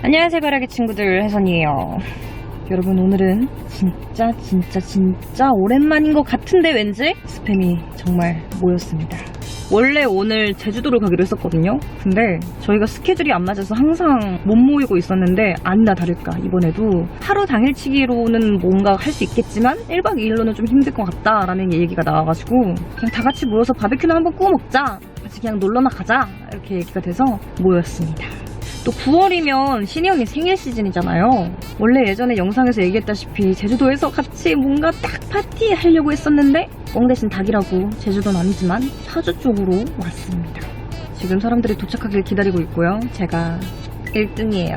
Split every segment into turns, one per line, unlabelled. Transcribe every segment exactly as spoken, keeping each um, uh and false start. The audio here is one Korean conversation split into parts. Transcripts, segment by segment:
안녕하세요 가라기 친구들, 혜선이에요. 여러분, 오늘은 진짜 진짜 진짜 오랜만인 것 같은데 왠지 스팸이 정말 모였습니다. 원래 오늘 제주도를 가기로 했었거든요. 근데 저희가 스케줄이 안 맞아서 항상 못 모이고 있었는데 아니나 다를까 이번에도 하루 당일치기로는 뭔가 할 수 있겠지만 일 박 이 일로는 좀 힘들 것 같다라는 얘기가 나와가지고 그냥 다 같이 모여서 바베큐나 한번 구워 먹자, 같이 그냥 놀러나 가자, 이렇게 얘기가 돼서 모였습니다. 또 구월이면 신이 언니 생일 시즌이잖아요. 원래 예전에 영상에서 얘기했다시피 제주도에서 같이 뭔가 딱 파티 하려고 했었는데 뻥 대신 닭이라고 제주도는 아니지만 파주 쪽으로 왔습니다. 지금 사람들이 도착하길 기다리고 있고요. 제가 일 등이에요.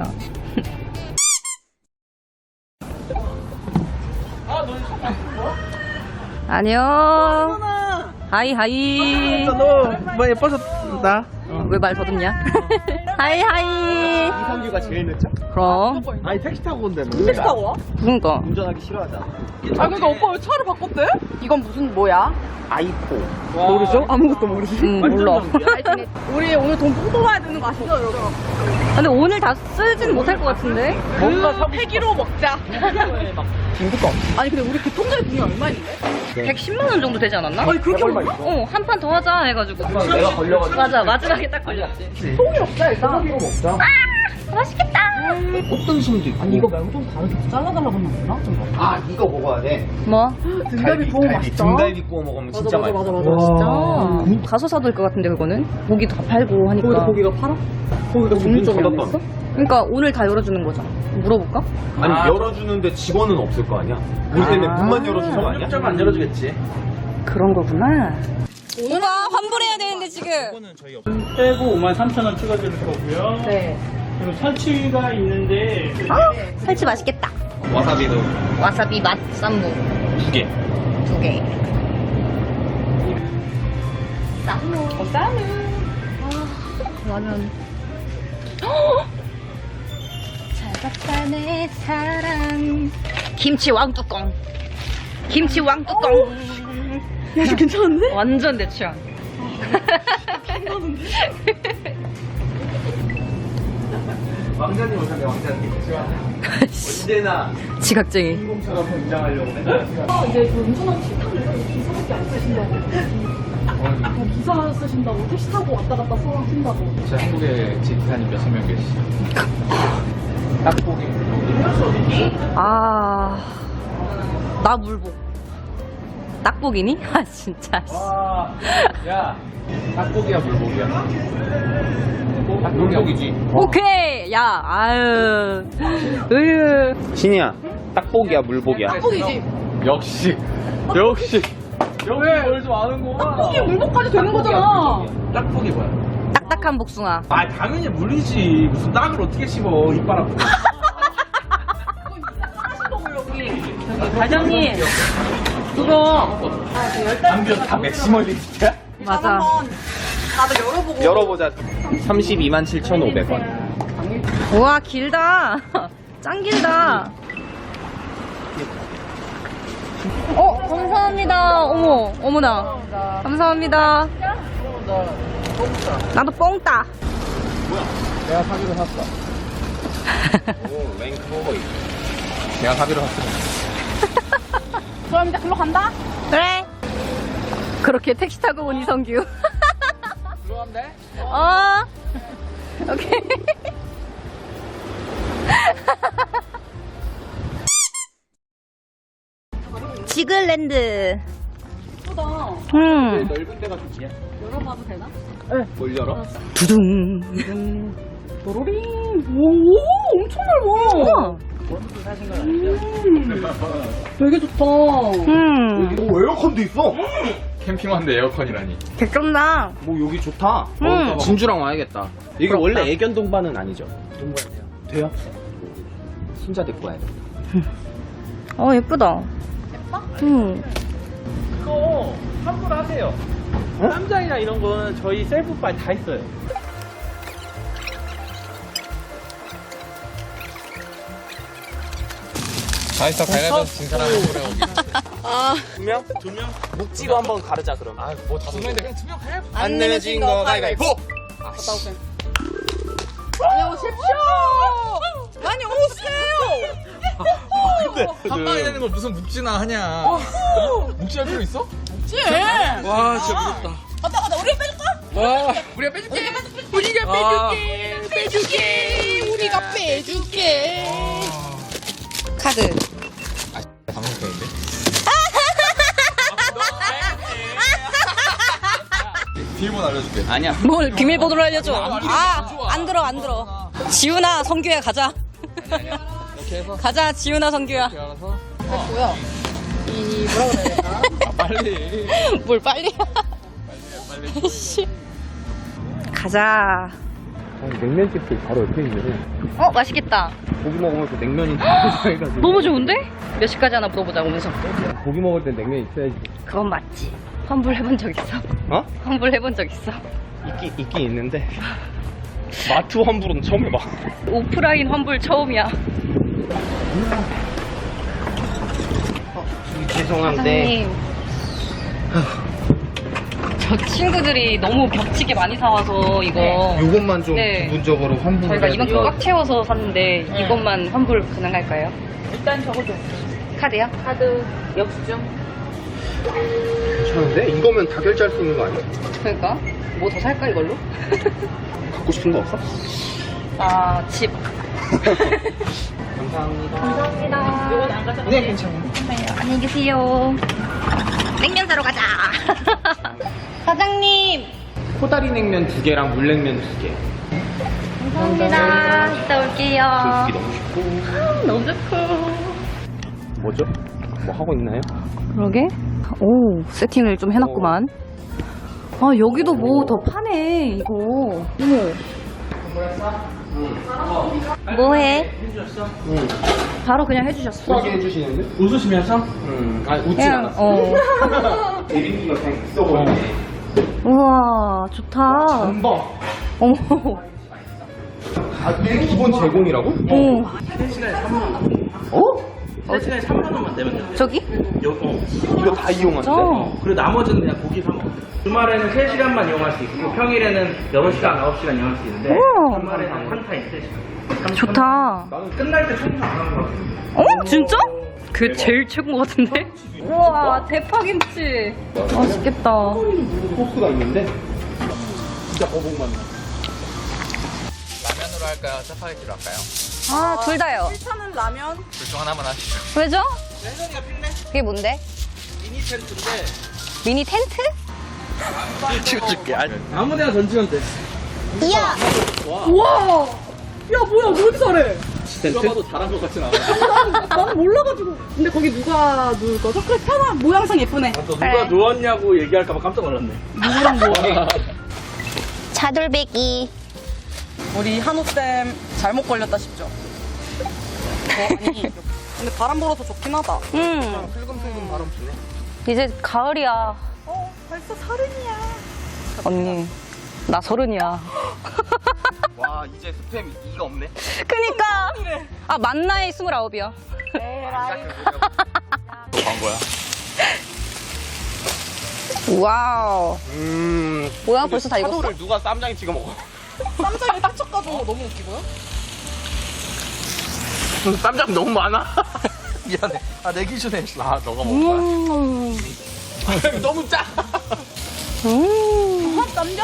안녕. 하이 하이.
너뭐 예뻐졌다.
왜 말 더듬냐? 하이 하이.
이성규가 제일 늦죠?
그럼.
아니 택시 타고 온대.
택시 타고 와?
그러니까.
운전하기 싫어하잖아.
아 그러니까 오빠 왜 차를 바꿨대? 이건 무슨 뭐야?
아이포.
모르죠? 아무것도 모르지.
응, 몰라.
우리 오늘 돈 뽕 뽑아야 되는 거 아시죠 여러분?
근데 오늘 다 쓰진 못할 것 같은데?
뭔가 폐기로 먹자.
중국거.
아니 근데 우리 교통비 돈이 얼마 있는데?
백십만 원 정도 되지 않았나?
아니 그렇게 많아?
어, 한 판 더 하자 해가지고.
내가 걸려가지고.
맞아, 마지막에 딱 걸렸지.
통이 없다 일단.
소고기로 먹자.
맛있겠다.
어떤 손도 있고.
아니 이거 말고 좀 다르게 잘라달라고 했나?
아 이거 먹어야 돼.
뭐?
등갈비 구워 맛있다.
등갈비 구워 먹으면 진짜
맞아, 맞아,
맛있어.
맞아,
아, 가서 사도 될 것 같은데 그거는? 고기 다 팔고 하니까.
거기도 고기가 팔아? 고기가 종류적이 안 있어?
그러니까 오늘 다 열어주는 거잖아. 물어볼까?
아니 열어주는데 직원은 없을 거 아니야? 우리 때문에
아.
문만 열어주는 거 아니야?
안 열어주겠지.
그런 거구나. 오빠 환불해야 되는데 지금.
빼고 오만 삼천 원 찍어줄 거고요.
네.
그리고 살치가 있는데
살치 맛있겠다.
와사비도
와사비 맛 쌈무
두 개.
두 개.
쌈무. 어, 쌈무.
라면. 잘 봤다 내 사랑. 김치 왕뚜껑. 김치 왕뚜껑.
야 이거 괜찮은데?
완전 내 취향.
왕자님 오셨네 왕자님. 언제나
지각쟁이.
인공처럼 등장하려고 맨날.
아 이제 그 운전하는 식탁을 기사밖에 안 쓰신다고. 어, 기사 쓰신다고 택시 타고 왔다 갔다 서랑 쓴다고.
제 한국에 제 기사님 몇천 명 계시죠? 딱보기
아, 나 물복. 딱복이니? 아 진짜.
와, 야, 딱보기야 물복이야? 물복이지.
오케이. 야, 아유, 으유.
신이야, 딱보기야 물복이야?
딱복이지.
역시, 역시, 역시 뭘좀 아는구만.
이게 물복까지 되는 거잖아.
딱보기 뭐야?
딱딱한 복숭아.
아 당연히 물이지. 무슨 딱을 어떻게 씹어 이빨 아프고.
과장님, 그거
담벼 다 맥시멀리스트야?
맞아.
한번 다들 열어보고.
열어보자. 삼십이만 칠천오백 원.
우와, 길다. 짱 길다. 어, 감사합니다. 어머, 어머나. 감사합니다. 나도 뽕 따.
내가 사기로 샀어. 오, 랭크버거. 내가 사기로 샀어.
그럼 이제 글로 간다?
그래. 그렇게 택시 타고 온 이성규.
들어가면 돼?
어. 오케이. 지글랜드.
예쁘다.
음.
넓은 데가 좋지.
열어봐도 되나?
뭘 열어?
두둥.
도로링. 오, 엄청 넓어.
우와.
음, 되게 좋다.
음.
오 에어컨도 있어.
캠핑화인데 에어컨이라니.
개쩐다.
뭐 여기 좋다.
음.
진주랑 와야겠다. 이게
부럽다.
원래 애견 동반은 아니죠? 동반해야 돼요. 돼요? 순자 데리고 와야 돼.
어, 예쁘다. 예뻐? 음.
그거 환불하세요. 쌈장이나 이런 거는 저희 셀프바이 다 있어요.
다 했어, 가위바위보 진 사람 그래.
두 명? 두 명? 묵지로 한번 가르자 그럼.
아, 뭐 다섯 명인데 그냥 투명 가야.
안 내면 진 거 가위바위보.
안녕하십시오.
있는 걸 무슨 묵지나 하냐. 묵지할 필요 있어?
묵지.
와, 진짜 무섭다.
가자 가자. 우리가 빼줄까?
와, 우리가 빼줄게.
우리가
아.
빼줄게. 빼줄게. 우리가 빼줄게.
카드.
방송편인데? 비밀번호 알려줄게. 아니야.
뭘 비밀번호를 알려줘.
안 들어,
아,
안 좋아.
안 들어, 안 들어. 지훈아, 성규야, 가자.
이렇게 해서
가자, 지훈아, 성규야.
이렇게 알아서.
뭐야? 이 뭐라 그래야 될까?
아, 빨리.
뭘 빨리.
빨리.
씨. 가자.
냉면집도 바로 옆에 있네.
어, 맛있겠다.
고기 먹으면서 냉면이 해가지고.
너무 좋은데? 몇 시까지 하나 물어보자, 오면서.
고기 먹을 땐 냉면 있어야지.
그건 맞지. 환불 해본 적 있어?
어?
환불 해본 적 있어?
있긴, 있긴 있는데. 마트 환불은 처음 해봐.
오프라인 환불 처음이야.
죄송한데.
사장님. 저 친구들이 너무 겹치게 많이 사와서 이거
요것만 좀
네.
기본적으로 환불을
저희가
해야
이만큼
돼요.
꽉 채워서 샀는데 이것만 환불 가능할까요?
일단 적어줘.
카드요?
카드 역수증.
괜찮은데? 이거면 다 결제할 수 있는 거 아니야?
그러니까 뭐 더 살까 이걸로?
갖고 싶은 거 없어?
아, 집.
감사합니다.
감사합니다.
이건 안 가져가.
네, 괜찮아요.
안녕히 계세요. 냉면 사러 가자. 사장님.
코다리 냉면 두 개랑 물냉면 두 개.
감사합니다. 이따 올게요.
주기 너무 쉽고.
아, 너무 좋고.
뭐죠? 뭐 하고 있나요?
그러게? 오, 세팅을 좀 해놨구만. 아, 여기도 뭐 더 파네, 이거. 어머. 뭐해?
응.
바로 그냥 해주셨어.
그렇게 해주시는데?
웃으시면서?
응. 아니, 웃진
그냥,
않았어.
어.
대리기가 그냥 있어 보이네.
우와, 좋다.
전방.
어머.
아, 이게 기본 제공이라고?
오.
세 시간에 삼만 원.
어?
세 시간에 삼만 원만 내면 돼.
저기?
요, 어.
이거 다 이용하는데?
저.
그리고 나머지는 그냥 고기 사 먹어. 주말에는 세 시간만 이용할 수 있고 평일에는 여섯 시간, 아홉 시간 이용할 수 있는데
우와.
주말에는 한 타임 세 시간.
좋다.
나는 끝날 때 청소 안 하는 거 같아.
어? 진짜? 그게 제일 최고인 것 같은데? 우와, 대파김치. 맛있겠다.
소스가 있는데? 진짜 거북만.
라면으로 할까요? 짜파게티로 할까요?
아, 둘 다요.
일차는 라면.
둘 중 하나만 하시죠.
왜죠?
혜선이가 필래?
그게 뭔데?
미니 텐트인데
미니 텐트?
찍어줄게.
아무데나 던지면 돼.
우와. 야 뭐야 왜 이렇게 잘해?
누가 봐도 잘한 것 같진 않아.
나는 몰라가지고. 근데 거기 누가 누울 거죠? 그래 편한 모양상 예쁘네.
또 누가 누웠냐고 얘기할까봐 깜짝 놀랐네.
누구랑 뭐?
차돌배기.
우리 한우쌤 잘못 걸렸다 싶죠? 어, 아니 근데 바람 불어서 좋긴 하다.
응.
슬금슬금 바람 부네.
이제 가을이야.
어 벌써 서른이야.
언니, 나 서른이야.
와, 이제 스팸 이가 없네.
그니까. 아, 만 나이 스물아홉이야.
광고야.
와우.
음.
뭐야, 벌써 다 익었어?
차도를 누가 쌈장에 찍어 먹어?
쌈장에 딱 쳤가지고 너무 웃기고요.
쌈장 너무 많아. 미안해. 아, 내 기준에. 아, 너가 먹은 거야.
음.
너무 짜.
음.
쌈장.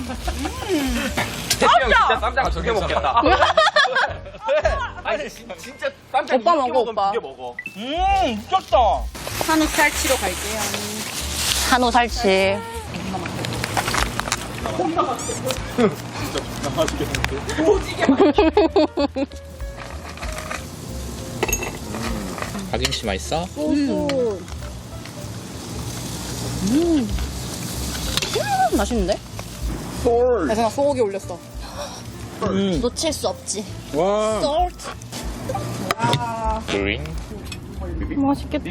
대형 진짜 쌈장 두개 먹겠다. 왜? 아니, 진- 진짜 쌈장
오빠
이렇게
먹어,
먹으면
오빠.
두개 먹어.
음, 미쳤다.
한우 살치로 갈게요.
한우 살치.
박임씨 맛있어?
음. 맛있는데?
대생아 소고기 올렸어.
놓칠 수 없지.
와.
그린.
맛있겠다.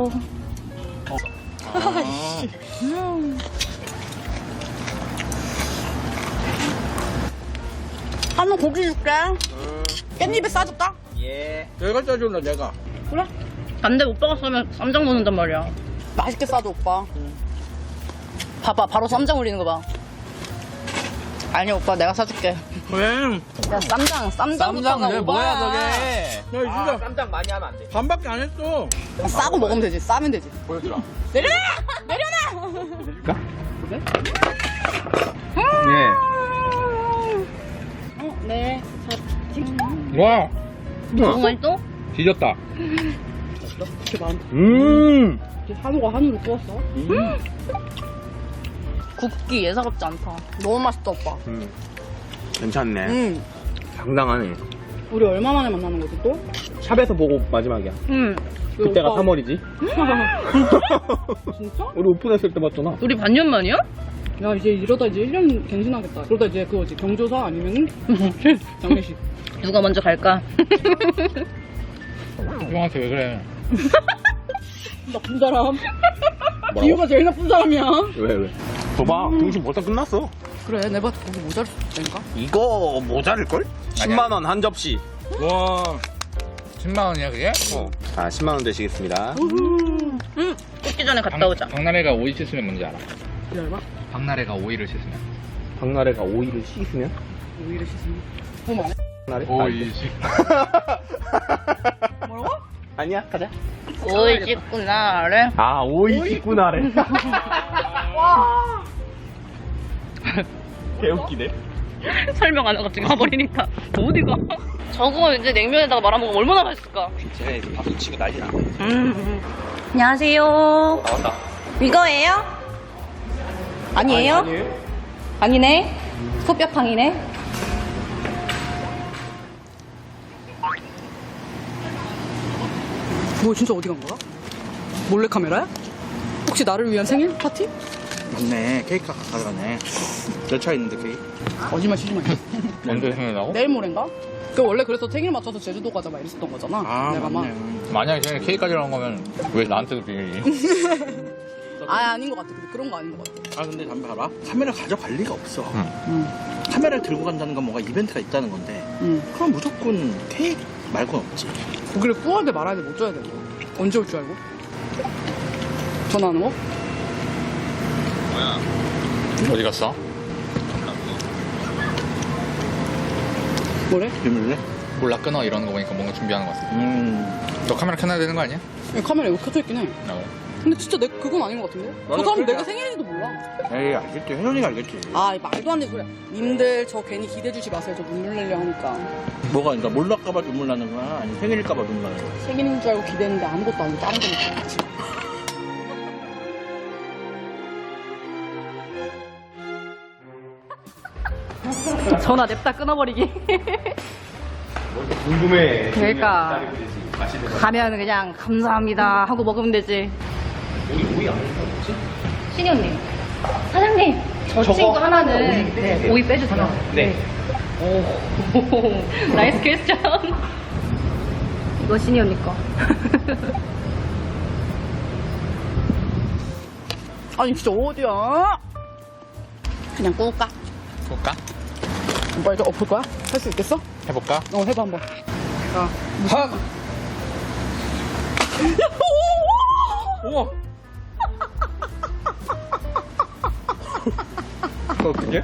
한우 고기 줄게. 깻잎에 싸줄까?
예.
내가 짜줄래, 내가.
안돼, 오빠가 싸면 쌈장 넣는단 말이야.
맛있게 싸줘 오빠.
봐봐, 바로 쌈장 올리는 거 봐.
아니 오빠 내가 사줄게.
왜?
야 쌈장 쌈장부터가
쌈장 왜 뭐야 저게? 야
아,
진짜
깜짝 많이 하면 안 돼.
반밖에 안 했어.
싸고 먹으면 되지. 싸면 되지.
보여주라.
내려놔! 내려놔!
줄까?
그래?
네.
어, 네.
와,
너무 맛있어?
뒤졌다.
그렇게 많.
음.
한우가 한우를 구웠어? 굽기 예사롭지 않다. 너무 맛있다 오빠.
음. 괜찮네.
응.
상당하네.
우리 얼마 만에 만나는 거지 또?
샵에서 보고 마지막이야.
응.
그때가 삼월이지.
진짜?
우리 오픈했을 때 봤잖아.
우리 반년 만이야? 야 이제 이러다 이제 일 년 갱신하겠다. 그러다 이제 그거지 경조사 아니면은 장례식. 누가 먼저 갈까?
형한테 왜 그래?
나쁜 사람. 기우가 제일 나쁜 사람이야.
왜 왜? 봐봐, 등심 벌써 끝났어.
그래 내가 거기 모자를 줬다니까.
이거 모자랄걸? 십만 원 한 접시.
와, 십만 원이야 그게?
어. 자, 십만 원 되시겠습니다.
응. 뜯기 전에 갔다 오자.
박나래가 오이 씻으면 뭔지 알아?
기다려봐.
박나래가 오이를 씻으면.
박나래가 오이를 씻으면?
오이를 씻으면. 그럼 안 해?
박나래?
오이 씻.
뭐라고?
아니야, 가자.
오이 씻구나 그래.
아, 오이 씻구나래.
와.
개웃기네.
설명 안 하고 갑자기 가버리니까 어디가? 저거 이제 냉면에다가 말아먹으면 얼마나 맛있을까?
쟤네 이제 박수 치고 난리나.
음. 안녕하세요.
나왔다.
이거예요? 아니에요?
아니, 아니에요?
아니네. 소뼈팡이네. 뭐 진짜 어디 간 거야? 몰래 카메라야? 혹시 나를 위한 생일 파티?
맞네. 케이크가 가져가네. 열차 있는데 케이크.
거짓말 치지 마.
언제 생각나고?
내일 모레인가? 그 원래 그래서 생일 맞춰서 제주도 가자 막 이랬었던 거잖아.
아,
내가 막.
맞네.
만약에 생일 케이크 가져간 거면 왜 나한테도 비밀이?
아 아닌 것 같아. 근데 그런 거 아닌 것 같아.
아 근데 담배 봐라. 카메라 가져갈 리가 없어.
응.
카메라를 들고 간다는 건 뭔가 이벤트가 있다는 건데.
응.
그럼 무조건 케이크 말고는 없지.
고기를 구워야 돼 말아야 돼 못 줘야 돼 이거. 언제 올 줄 알고? 전화하는 거?
어디 갔어?
뭐래?
비밀래?
몰라, 끊어 이러는 거 보니까 뭔가 준비하는 거 같아.
음.
너 카메라 켜놔야 되는 거 아니야?
야, 카메라 여기 켜져 있긴 해.
어.
근데 진짜 내 그건 아닌 것 같은데? 저
맞아,
사람
그래.
내가 생일인지도 몰라.
에이 알겠지. 혜선이가 알겠지.
아 말도 안 되는 소리야. 님들 저 괜히 기대 주지 마세요. 저 눈물 내려 하니까.
뭐가 그러니까 몰랄까봐 눈물 나는 거야? 아니 생일일까봐 눈물 나는 거야?
생일인 줄 알고 기대했는데 아무것도 아니고 다른 거니까. 전화 냅다 끊어버리기.
궁금해.
그러니까 가면 그냥 감사합니다 하고 먹으면 되지.
오이, 오이 안 먹는 거지?
신이 언니, 사장님 저
저거
친구 하나는
오이 빼세요.
오이 빼주세요.
네.
오, 나이스 퀘스천. 이거 신이 언니 거. 아니 진짜 어디야? 그냥 구울까?
볼까?
오빠 이제 엎을 거야? 할 수 있겠어?
해볼까?
어 해봐 한번. 자,
하! 우와!
어떻게?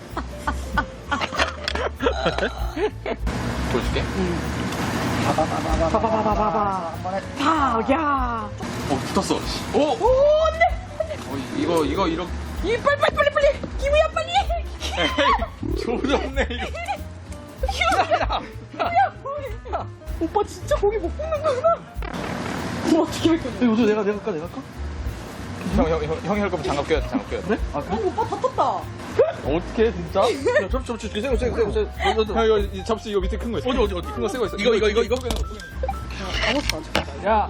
보여줄게.
봐봐봐봐봐봐. 파, 야.
어, 붙었어. 오! 오, 안 돼! 어, 이거, 이거, 이렇게.
이 빨리 빨리 빨리 빨리. 기우야 빨리.
조졌네, 이거.
야, 오빠 진짜 고기 못 굽는 거구나. 그럼 어떻게 할 거냐?
이거 내가 내가 할까 내가 할까?
형, 형, 형, 형이 할 거면 장갑 껴야 돼, 장갑 껴야 돼.
그래? 아
어,
그래?
오빠 다 떴다.
어떻게, 진짜?
야 접시 접시 세고 세고 세고 세고.
형, 이거, 이 접시 이거 밑에 큰 거 있어.
어디 어디 어디?
큰 거 쓰고 있어.
이거 이거 이거 이거.
아무것도 안 쳤다.
야!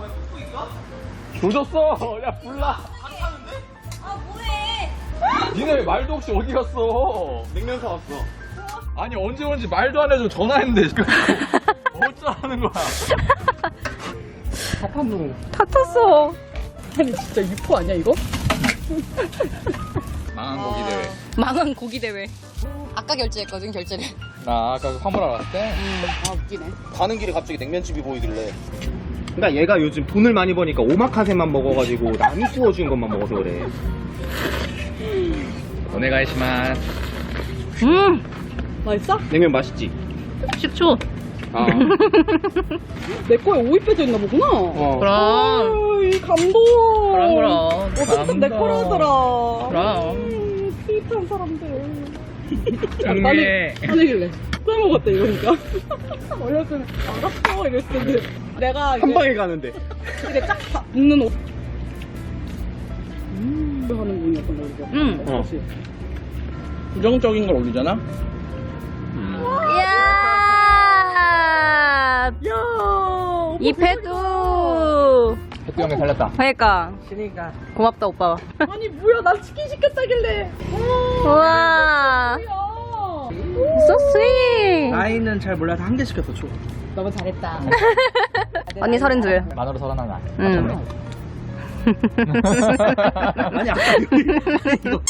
조졌어! 야, 불나!
아 뭐해?
니네 왜 말도 없이 어디 갔어?
냉면 사왔어.
아니, 언제 오는지 말도 안 해주고 전화했는데, 지금. 어쩌라는 거야?
파판동.
다 탔어. 아니 진짜 유포 아니야 이거?
망한 고기 대회.
망한 고기 대회. 아까 결제했거든 결제를.
나 아까 그 화물 알았을 때.
아 웃기네.
가는 길에 갑자기 냉면집이 보이길래.
그러니까 얘가 요즘 돈을 많이 버니까 오마카세만 먹어가지고 남이 구워준 것만 먹어서 그래.
오네가이시마스.
음,
맛있어?
냉면 맛있지?
식초.
아.
내 거에 오이 빼져 있나 보구나.
어.
그럼.
이 감동.
그럼, 그럼.
어쨌든 내 거라더라.
그럼.
음, 스윗한 사람들.
정리해.
화내길래. 빼먹었다 이거니까. 원래는 알았어 이랬을 텐데. 내가
한
이제
방에 가는데.
이렇게 쫙 다 묶는 옷. 음. 하는 분이었던 거죠.
음.
어. 부정적인 걸 올리잖아?
이야.
야.
이패도.
햇도 형이 살렸다.
그러니까. 고맙다 오빠.
아니 뭐야 난 치킨 시켰다길래.
우와.
뭐야.
So sweet.
나이는 잘 몰라서 한 개 시켰어, 초.
너무 잘했다.
언니 서른둘.
만으로 서른하나.
응.
아니, 아까 이거.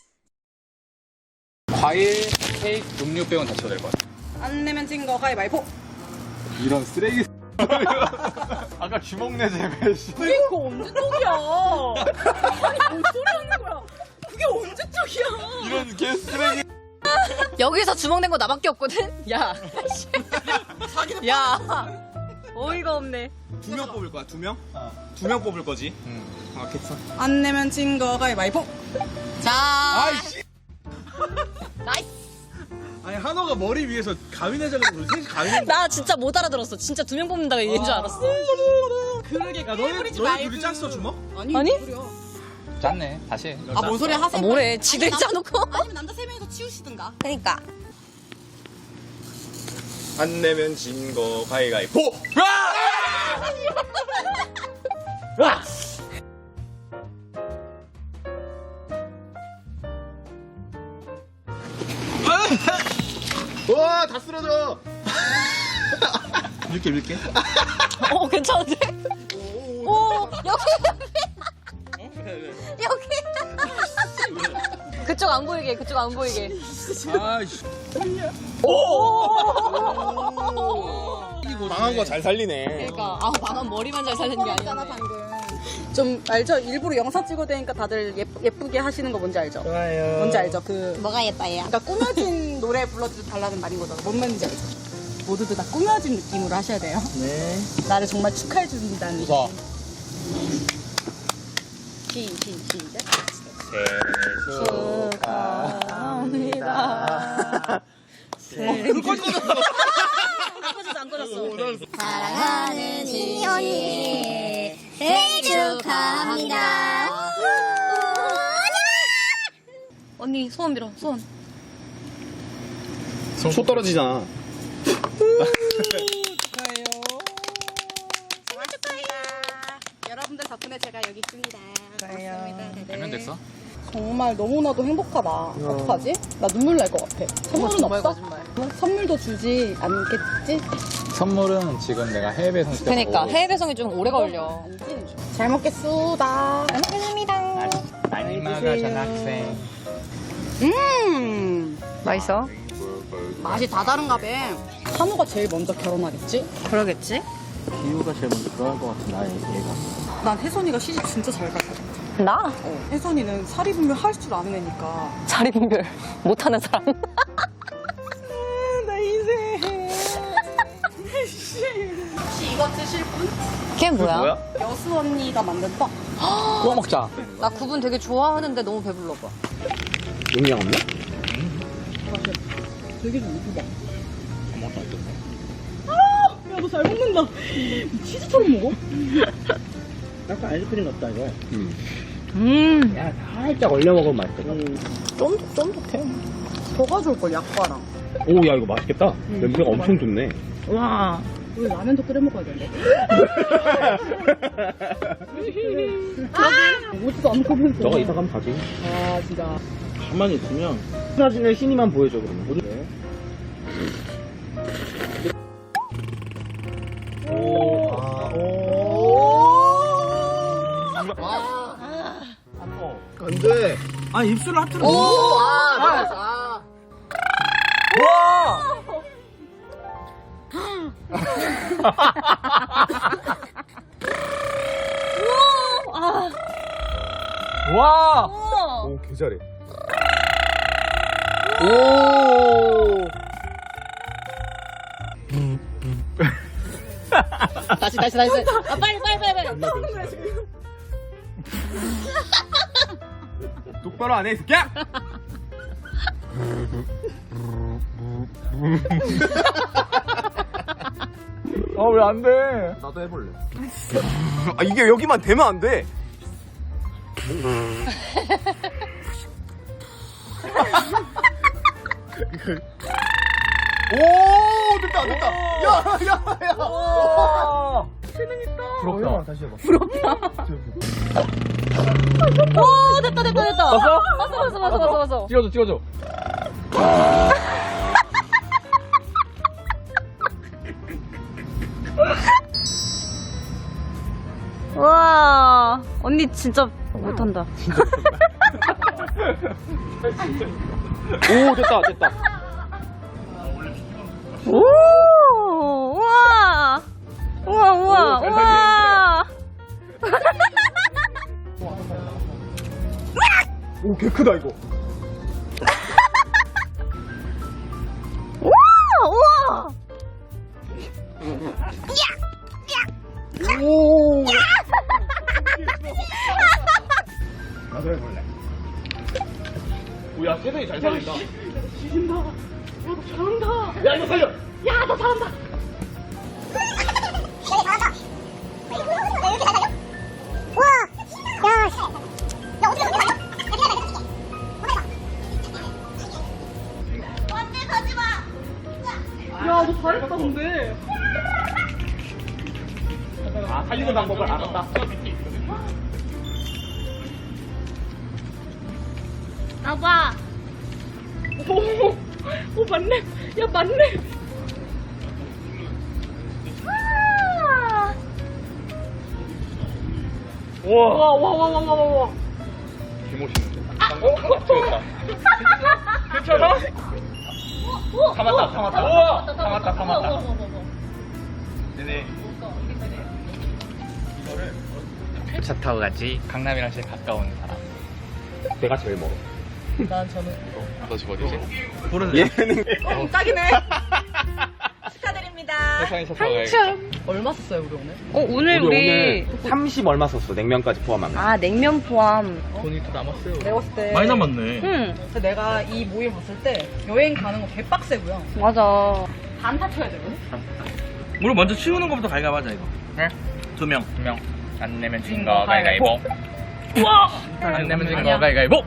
과일, 케이크, 음료 빼곤 다 쳐도 될 것 같아.
안 내면 진 거 가위바위보.
이런 쓰레기. 아까 주먹 내재배 씨.
그게 그거 언제 쪽이야? 아니 뭔 소리 하는 거야? 그게 언제 쪽이야?
이런 개 쓰레기.
여기서 주먹 낸 거 나밖에 없거든? 야. 야. 어이가 없네.
두 명 뽑을 거야, 두 명? 두 명 뽑을 거지?
응.
아, 괜찮아.
안 내면 진 거 가위바위보.
자.
아이씨!
나이스.
아니, 한호가 머리 위에서 가위내자고 우리 셋이 가위내
나 진짜 못 알아들었어. 진짜 두 명 뽑는다고 얘기인 줄 알았어.
그러게
야, 너네, 너네 둘이 짰어, 주먹?
아니?
아니?
짰네. 다시 해.
아, 뭔 소리 하세요?
아, 뭐래. 지들 짜놓고.
아니면 남자 세 명이서 치우시든가.
그러니까.
안 내면 진 거 가위가위보! 와, 다 쓰러져! 밀게, 밀게.
어, 괜찮은데? 오, 여기. 여기. 그쪽 안 보이게, 그쪽 안 보이게.
아이씨. 망한 거 잘 살리네.
그러니까, 아, 방금 머리만 잘 살리는 게 아니야.
좀 알죠? 일부러 영상 찍어야 되니까 다들 예쁘, 예쁘게 하시는 거 뭔지 알죠?
좋아요.
뭔지 알죠? 그
뭐가 예뻐요?
그러니까 꾸며진 노래 불러도 달라는 말인 거잖아. 뭔 말인지 알죠? 모두들 다 꾸며진 느낌으로 하셔야 돼요.
네.
나를 정말 축하해 준다는 느낌.
웃어.
시, 시, 시작.
축하합니다.
불 꺼졌어.
안 꺼졌어, 안 꺼졌어.
사랑하는 지연이 생일 축하합니다.
언니, 소원 빌어, 소원.
소 떨어지잖아.
축하해요. 생일 축하해요. 여러분들 덕분에 제가 여기 있습니다. 고맙습니다.
몇 명 됐어?
정말 너무나도 행복하다. 어떡하지? 나 눈물 날 것 같아. 선물은
정말
없어?
거짓말.
선물도 주지 않겠지?
선물은 지금 내가 해외 배송 시켰고.
그러니까, 해외 배송이 좀 오래 걸려.
잘 먹겠습니다. 잘 먹겠습니다.
많이 먹어, 전학생.
음,
맛있어?
맛이 다 다른가 봐. 한우가 제일 먼저 결혼하겠지?
그러겠지?
기우가 제일 먼저 들어갈 것 같아, 나의 얘가.
난 혜선이가 시집 진짜 잘 갈 것 같아.
나?
어, 혜선이는 사리분별 할 줄 아는 애니까.
자리분별 못하는 사람.
나 인생. 혹시 이거 드실 분?
걔 뭐야?
여수 언니가 만든 떡.
구워 먹자.
나 구분 되게 좋아하는데 너무 배불러 봐.
용량 없나?
되게 좀 이쁘다. 야, 너 잘 먹는다. 치즈처럼 먹어?
약간 아이스크림 같다, 이거. 음.
음.
야, 살짝 얼려 먹으면 맛있겠다.
쫀득, 쫀득해. 더 가져올걸, 약과랑.
오, 야, 이거 맛있겠다. 냄새가 엄청 좋네.
와.
우리 라면도 끓여 먹어야 되는데. 아! 오지도 않고면서.
너가 이사 가면 가지.
아, 진짜.
가만히 있으면 사진을 신이만 보여줘, 그러면. 네. 오, 아, 오. 안 돼. 아, 입술을 하트로.
오, 아, 맞아. 아.
와!
오, 개 잘해. 오!
다시 다시 다시. 아 빨리 빨리 빨리 빨리.
똑바로 안 해, 이 새끼야!
아, 왜 안 돼?
나도 해볼래. 아, 이게 여기만 되면 안 돼. 오, 됐다, 됐다. 야, 야, 야.
부럽다.
다시 해봐.
오 됐다 됐다 됐다.
봤어?
봤어 봤어 봤어 봤어 봤어.
찍어줘, 찍어줘.
와 언니 진짜 못한다.
오, 됐다, 됐다.
오 우와 우와 우와
오, 잘
우와.
오, 개 크다, 이거.
우와 우와.
오. 나도 해볼래.
오, 야, 세상이 잘 살린다.
지진다. 야, 너 잘한다.
야, 이거 살려.
야, 너 잘한다. 야, 너 잘했다, 근데.
아, 살리는 방법을 알았다.
아빠.
오, 오, 맞네. 야, 맞네.
우와.
와, 와, 와, 와, 와, 와, 와.
개멋있는데. 어? 찍었다. 괜찮아? 참았다, 참았다. 우와! 참았다, 참았다. 네네. 이거를 차 타고 같이 강남이랑 제일 가까운 사람.
내가 제일 멀어.
난 저는.
너 집 어디지?
얘는
어, 딱이네. 축하드립니다.
세상에 차 타고 가야겠다.
얼마 썼어요, 우리 오늘?
어 오늘 우리,
오늘 삼십 얼마 썼어, 냉면까지 포함하면.
아 냉면 포함.
돈이 또 남았어요.
내가 봤을 때.
많이 남았네.
응
그래서 내가 이 모임 봤을 때 여행 가는 거 개빡세고요.
맞아.
반타 쳐야 되거든?
우리 먼저 치우는 것부터 가위가위하자 이거.
네?
두 명.
두 명. 안 내면 진
진
거
거
가위가위보.
우와!
안 내면 진
아니야.
거 가위가위보.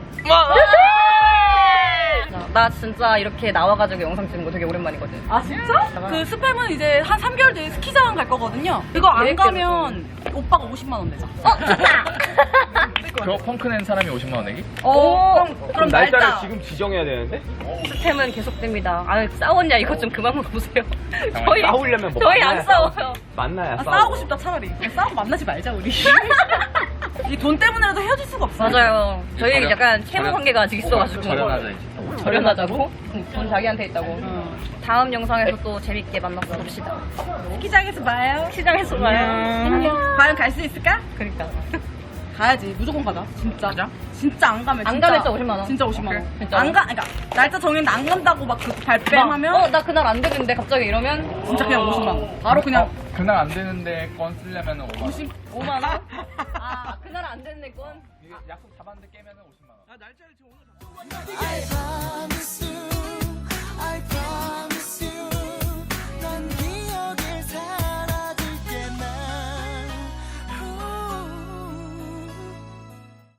나 진짜 이렇게 나와가지고 영상 찍는 거 되게 오랜만이거든.
아, 진짜? 그 스팸은 이제 한 삼 개월 뒤에 스키장 갈 거거든요. 그거 안
계획대로
가면 오빠가 오십만 원 내자.
어 좋다.
저 펑크 낸 사람이 오십만 원 내기?
어
그럼, 그럼
날짜를
날짜.
지금 지정해야 되는데?
스팸은 계속됩니다. 아 싸웠냐 이거 좀 그만 물어보세요. 저희
싸우려면 뭐
저희
만나야
안 싸워요.
만나야
아,
싸워.
싸우고 싶다, 차라리. 그냥 싸우고 만나지 말자, 우리. 이 돈 때문에라도 헤어질 수가 없어.
맞아요. 저희
저렴-
약간 채무
저렴-
관계가 아직 있어가지고.
절연하자 이제.
절연하자고? 돈 자기한테 있다고.
응.
다음 영상에서 또 재밌게 만나서 봅시다.
스키장에서 봐요.
시장에서 봐요.
안녕. 과연 갈 수 있을까?
그러니까.
가야지. 무조건 가자. 진짜.
가자.
진짜 안 가면
안
진짜.
가면 진짜 오십만 원.
진짜 오십만 원.
오케이. 진짜로?
안 가, 그러니까 날짜 정했는데 안 간다고 막 그 발뺌하면
어, 나 그날 안 되는데 갑자기 이러면
진짜 그냥 오십만 원. 바로 그냥
어, 그날 안 되는데 건 쓰려면 오만 원.
오만 원? 아, 그날 안 되는 건?
이게 약속 잡았는데 깨면 오십만 원.
아 날짜를 지금 오늘.
I promise you